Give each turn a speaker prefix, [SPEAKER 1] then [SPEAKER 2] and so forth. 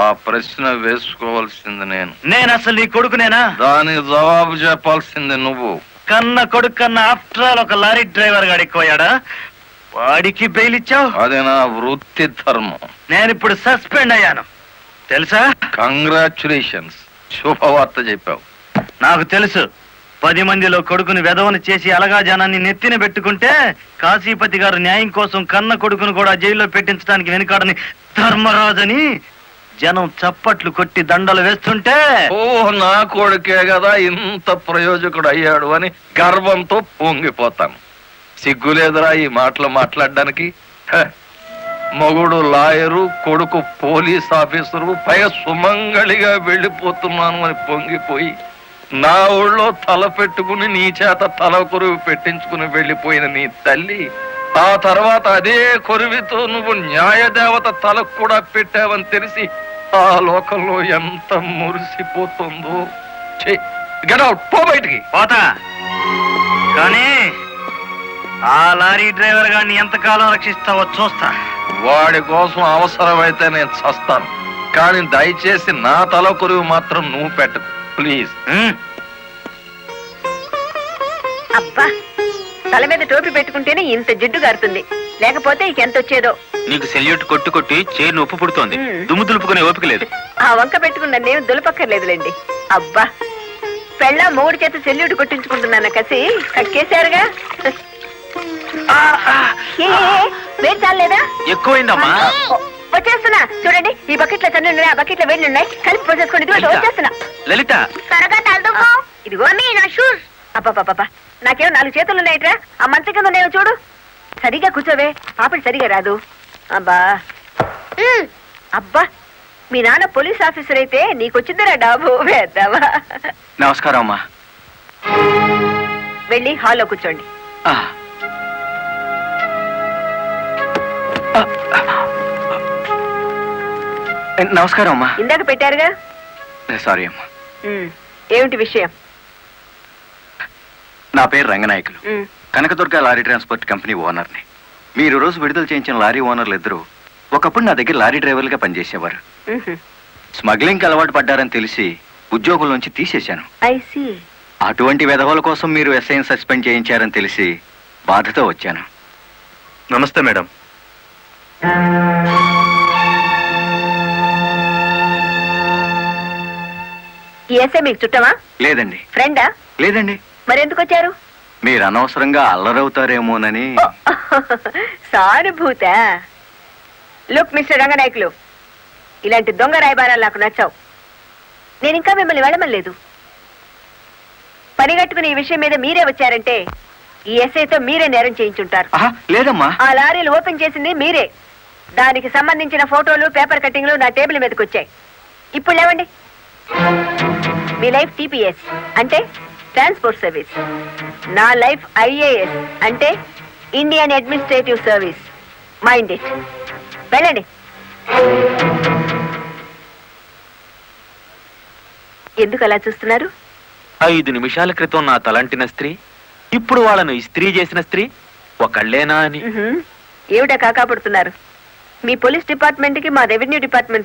[SPEAKER 1] ప్రశ్న వేసుకోవాల్సింది
[SPEAKER 2] నేను అసలు నీ కొడుకునేనా?
[SPEAKER 1] దానికి జవాబు చెప్పాల్సింది నువ్వు.
[SPEAKER 2] కన్న కొడుకు కన్నా ఆఫ్టర్ ఆల్ ఒక లారీ డ్రైవర్ గాడిపోయాడా? వాడికి బెయిల్ ఇచ్చావు?
[SPEAKER 1] అది నా వృత్తి ధర్మం.
[SPEAKER 2] నేను ఇప్పుడు సస్పెండ్ అయ్యాను తెలుసా?
[SPEAKER 1] కంగ్రాచులేషన్స్, శుభవార్త చెప్పావు.
[SPEAKER 2] నాకు తెలుసు. 10 మందిలో కొడుకుని వెధవను చేసి అలగా జనాన్ని నెత్తిన పెట్టుకుంటే కాశీపతి గారు న్యాయం కోసం కన్న కొడుకును కూడా జైల్లో పెట్టించడానికి వెనుకాడని ధర్మరాజని జనం చప్పట్లు కొట్టి దండలు వేస్తుంటే
[SPEAKER 1] నా కొడుకే కదా ఇంత ప్రయోజకుడు అయ్యాడు అని గర్వంతో పొంగిపోతాను. సిగ్గులేదురా ఈ మాటలు మాట్లాడడానికి? మగుడు లాయరు, కొడుకు పోలీస్ ఆఫీసరు, పైగా సుమంగళిగా వెళ్ళిపోతున్నాను అని పొంగిపోయి నా ఊళ్ళో తల పెట్టుకుని నీ చేత తల కొరువు పెట్టించుకుని వెళ్ళిపోయిన నీ తల్లి ఆ తర్వాత అదే కొరువితో నువ్వు న్యాయదేవత తలకు కూడా పెట్టావని తెలిసి ఆ లోకంలో ఎంత మురిసిపోతుందో. గెట్ అవుట్, పో బయటికి.
[SPEAKER 2] పోతా, కానీ ఆ లారీ డ్రైవర్ గారిని ఎంతకాలం రక్షిస్తావో చూస్తా.
[SPEAKER 1] వాడి కోసం అవసరమైతే నేను చస్తాను, కానీ దయచేసి నా తల కొరువు మాత్రం నువ్వు పెట్టకు ప్లీజ్.
[SPEAKER 3] అబ్బా, తల మీద టోపీ పెట్టుకుంటేనే ఇంత జిడ్డు గారుతుంది, లేకపోతే ఎంత వచ్చేదో.
[SPEAKER 2] నీకు సెల్యూట్ కొట్టు కొట్టి చేరు ఉప్పు పుడుతోంది, దుమ్ము దులుపుకునే ఓపిక లేదు.
[SPEAKER 3] ఆ వంక పెట్టుకున్న నేను దులపక్కర్లేదులేండి. అబ్బా, పెళ్ళ మూడు చేత సెల్యూట్ కొట్టించుకుంటున్నాను కసి కక్కేశారుగా. వేడి చాలేదా?
[SPEAKER 2] ఎక్కువైందమ్మా.
[SPEAKER 3] వచ్చేస్తున్నా చూడండి, ఈ బకెట్ లో తన్ను ఉన్నాయి, ఆ బకెట్ లో వేడి ఉన్నాయి, కలిపి పోసేసుకోండి. వచ్చేస్తున్నా.
[SPEAKER 2] లలిత,
[SPEAKER 3] త్వరగా తలదుకో. ఇదిగో మీ నా షూస్. అబ్బా, నాకేమో 4 చేతులు ఉన్నాయిట్రా, ఆ మంత్రి కింద ఉన్నాయో చూడు. సరిగా కూర్చోవే, పాపడి సరిగా రాదు. అబ్బా అబ్బా, మీ నాన్న పోలీస్ ఆఫీసర్ అయితే నీకొచ్చిందిరా డాబు వేద్దావా.
[SPEAKER 2] నమస్కారం అమ్మా.
[SPEAKER 3] వెళ్ళి హాల్లో కూర్చోండి.
[SPEAKER 2] నమస్కారం అమ్మా.
[SPEAKER 3] ఇందాక పెట్టారుగా.
[SPEAKER 2] సారీ అమ్మా.
[SPEAKER 3] ఏమిటి విషయం?
[SPEAKER 2] నా పేరు Ranganayakulu, Kanakadurga lorry transport company ఓనర్ని. మీరు రోజు విడుదల చేయించిన లారీ ఓనర్లు ఇద్దరు ఒకప్పుడు నా దగ్గర లారీ డ్రైవర్లుగా పనిచేసేవారు. స్మగ్లింగ్ అలవాటు పడ్డారని తెలిసి ఉద్యోగుల నుంచి తీసేశాను. అటువంటి వెధవల కోసం మీరు ఎస్ఐని సస్పెండ్ చేయించారని తెలిసి బాధతో వచ్చాను. నమస్తే మేడం.
[SPEAKER 3] ఈ ఎస్ఐ మీకు చుట్టమా?
[SPEAKER 2] లేదండి.
[SPEAKER 3] ఫ్రెండా?
[SPEAKER 2] లేదండి.
[SPEAKER 3] మరెందుకు వచ్చారు?
[SPEAKER 2] మీరు అనవసరంగా అల్లరవుతారేమోనని.
[SPEAKER 3] సానుభూత. లుక్ మిస్టర్ రంగనాయకులు, ఇలాంటి దొంగ రాయబారాలు నాకు నచ్చావు. నేను ఇంకా మిమ్మల్ని వెళ్ళమలేదు. పని కట్టుకుని ఈ విషయం మీద మీరే వచ్చారంటే ఈ ఎస్ఐతో మీరే నేరం చేయించుంటారు.
[SPEAKER 2] లేదమ్మా,
[SPEAKER 3] ఆ లారీలు ఓపెన్ చేసింది మీరే. దానికి సంబంధించిన ఫోటోలు, పేపర్ కట్టింగ్లు నా టేబుల్ మీదకి వచ్చాయి. ఇప్పుడు లేవండి. మీ లైఫ్ టీపీఎస్ అంటే ట్రాన్స్పోర్ట్ సర్వీస్, నా లైఫ్ ఐఏఎస్ అంటే Indian administrative service. Mind it. వెళ్ళండి. ఎందుకు అలా చూస్తున్నారు?
[SPEAKER 4] 5 నిమిషాల క్రితం నా తలంటిన స్త్రీ ఇప్పుడు వాళ్ళను ఇస్త్రీ చేసిన స్త్రీ ఒకళ్ళేనా అని.
[SPEAKER 3] ఏమిటా కాకాపడుతున్నారు? మీ పోలీస్ డిపార్ట్మెంట్ కి మా రెవెన్యూ డిపార్ట్మెంట్